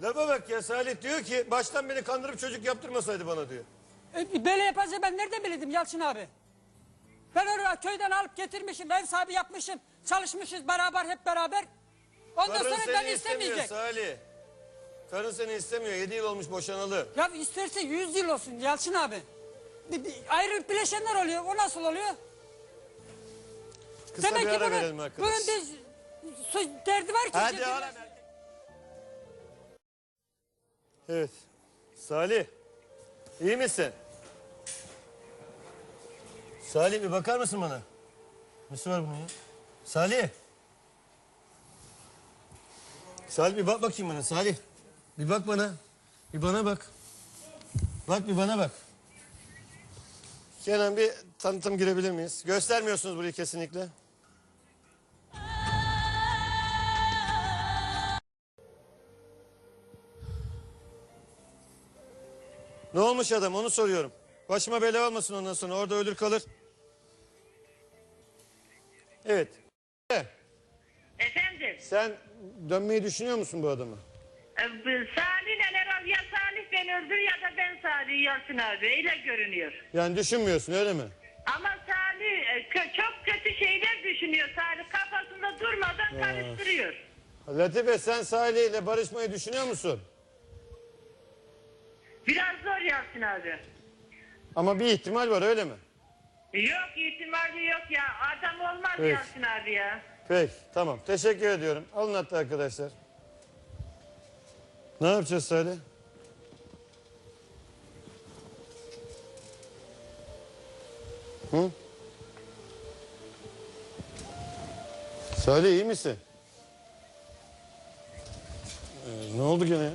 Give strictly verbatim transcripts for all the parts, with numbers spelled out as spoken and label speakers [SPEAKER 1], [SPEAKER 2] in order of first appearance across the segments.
[SPEAKER 1] Lafa bak ya, Salih diyor ki baştan beni kandırıp çocuk yaptırmasaydı bana diyor.
[SPEAKER 2] E, böyle yapacağım ben nereden bilirdim Yalçın abi? Ben oraya köyden alıp getirmişim, ev sahibi yapmışım. Çalışmışız beraber, hep beraber. Ondan
[SPEAKER 1] Karın
[SPEAKER 2] sonra
[SPEAKER 1] seni
[SPEAKER 2] beni
[SPEAKER 1] istemiyor
[SPEAKER 2] istemeyecek.
[SPEAKER 1] Salih. Karın seni istemiyor. Yedi yıl olmuş boşanalı.
[SPEAKER 2] Ya isterse yüz yıl olsun Yalçın abi. Bir, bir ayrılıp bileşenler oluyor. O nasıl oluyor?
[SPEAKER 1] Kısa
[SPEAKER 2] Demek
[SPEAKER 1] bir
[SPEAKER 2] ki
[SPEAKER 1] ara
[SPEAKER 2] bunun,
[SPEAKER 1] verelim arkadaş.
[SPEAKER 2] bunun bir su, derdi var ki.
[SPEAKER 1] Hadi
[SPEAKER 2] ciddi-
[SPEAKER 1] ara. Evet. Salih. İyi misin? Salih bir bakar mısın bana? Nesi var bunun ya? Salih. Salih bir bak bakayım bana Salih. Bir bak bana. Bir bana bak. Bak bir bana bak. Kenan bir tanıtım girebilir miyiz? Göstermiyorsunuz burayı kesinlikle. Ne olmuş adam onu soruyorum. Başıma bela olmasın ondan sonra orada ölür kalır. Evet.
[SPEAKER 3] Efendim,
[SPEAKER 1] Sen dönmeyi düşünüyor musun bu adama?
[SPEAKER 3] e, bu Salih neler ya Salih beni öldür ya da ben Salih Yalçın abi, öyle görünüyor.
[SPEAKER 1] Yani düşünmüyorsun öyle mi?
[SPEAKER 3] Ama Salih e, kö- çok kötü şeyler düşünüyor. Salih kafasında durmadan karıştırıyor.
[SPEAKER 1] Latife sen Salih ile barışmayı düşünüyor musun?
[SPEAKER 3] Biraz zor Yalçın abi.
[SPEAKER 1] Ama bir ihtimal var öyle mi?
[SPEAKER 3] Yok ihtimali yok ya, adam olmaz
[SPEAKER 1] Evet.
[SPEAKER 3] Yalçın abi ya.
[SPEAKER 1] Peki tamam teşekkür ediyorum. Alın hatta arkadaşlar. Ne yapacağız Salih? Hı? Salih iyi misin? Ee, ne oldu gene ya?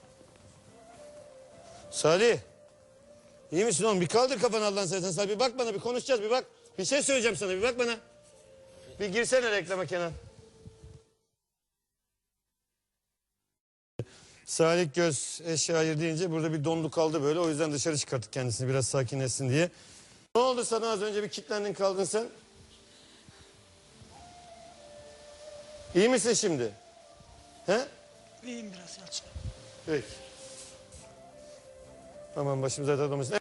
[SPEAKER 1] Salih. İyi misin oğlum? Bir kaldır kafanı Allah'ın seversen Salih. Bir bak bana, bir konuşacağız, bir bak. Bir şey söyleyeceğim sana, bir bak bana. Bir girsene reklama Kenan. Salih Göz eşya deyince burada bir dondu kaldı böyle. O yüzden dışarı çıkarttık kendisini biraz sakinleşsin diye. Ne oldu sana, az önce bir kilitlendin kaldın sen? İyi misin şimdi? He?
[SPEAKER 2] İyiyim biraz Yalçın.
[SPEAKER 1] Peki. Aman başımıza tatlamasın.